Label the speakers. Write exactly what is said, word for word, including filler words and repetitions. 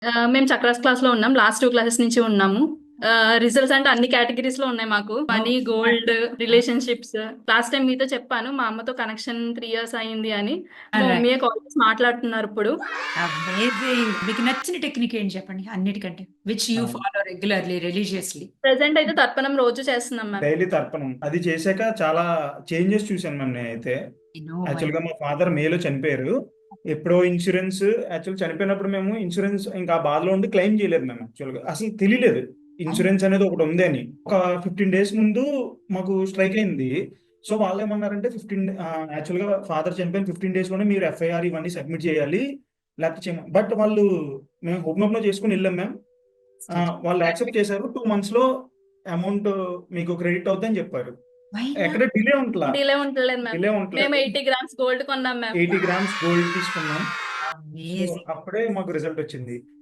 Speaker 1: ఆహ్, మేము చక్రాస్ క్లాస్‌లో ఉన్నాం. లాస్ట్ రెండు క్లాసెస్ నుంచి ఉన్నాము. ఆహ్, రిజల్ట్స్ అంటే అన్ని కేటగరీస్‌లో ఉన్నాయి మాకు. Money, gold, relationships. Last time మీతో చెప్పాను. మా అమ్మతో కనెక్షన్ మూడు ఇయర్స్ అయింది అని. మా
Speaker 2: రైట్.
Speaker 1: మమ్మీయే కాల్ చేసి మాట్లాడుతున్నారు ఇప్పుడు.
Speaker 2: అమేజింగ్. మీకు నచ్చిన టెక్నిక్ ఏంటి చెప్పండి అన్నిటికంటే? విచ్ యూ
Speaker 3: అవును.
Speaker 2: Follow regularly, religiously?
Speaker 1: ప్రెజెంట్ అయితే తర్పణం రోజు చేస్తున్నాం మ్యామ్.
Speaker 3: డైలీ తర్పణం. అది చేశాక చాలా చేంజెస్ చూసాను మ్యామ్ నేనైతే.
Speaker 2: ఐ నో మై
Speaker 3: యాక్చువల్‌గా మా ఫాదర్ మేలో చనిపోయారు. ఎప్పుడో ఇన్స్యూరెన్స్ యాక్చువల్ చనిపోయినప్పుడు మేము ఇన్స్యూరెన్స్ ఇంకా ఆ బాధలో ఉండి క్లెయిమ్ చేయలేదు మేము యాక్చువల్‌గా. అసలు తెలీలేదు. ఇన్స్యూరెన్స్ అనేది ఒకటి ఉంది అని. ఒక పదిహేను డేస్ ముందు మాకు స్ట్రైక్ అయింది. సో వాళ్ళేమన్నారంటే పదిహేను ఆహ్, యాక్చువల్‌గా ఫాదర్ చనిపోయిన పదిహేను డేస్‌లోనే మీరు ఎఫ్ఐఆర్ ఇవన్నీ సబ్మిట్ చేయాలి. లేకపోతే చేయమ బట్ వాళ్ళు మేము హోప్‌నోప్‌నో చేసుకొని ఎళ్ళాం మ్యామ్. ఆ! వాళ్ళు యాక్సెప్ట్ చేశారు. రెండు మంత్స్‌లో అమౌంట్ మీకు క్రెడిట్ అవుద్దని జెప్పారు.
Speaker 2: వై
Speaker 3: ఎక్కడ
Speaker 2: నాట్?
Speaker 3: డిలే ఉంటలా.
Speaker 1: డిలే ఉంటలేదు మ్యామ్.
Speaker 3: డిలే
Speaker 1: మేము
Speaker 3: ఉంటలేదు.
Speaker 1: ఎనభై గ్రామ్స్ గోల్డ్ కొన్నాం మ్యామ్.
Speaker 3: ఎనభై గ్రామ్స్ గోల్డ్ తీసుకున్నాం. So,
Speaker 2: amazing.
Speaker 3: అప్పుడే మాకు రిజల్ట్ వచ్చింది.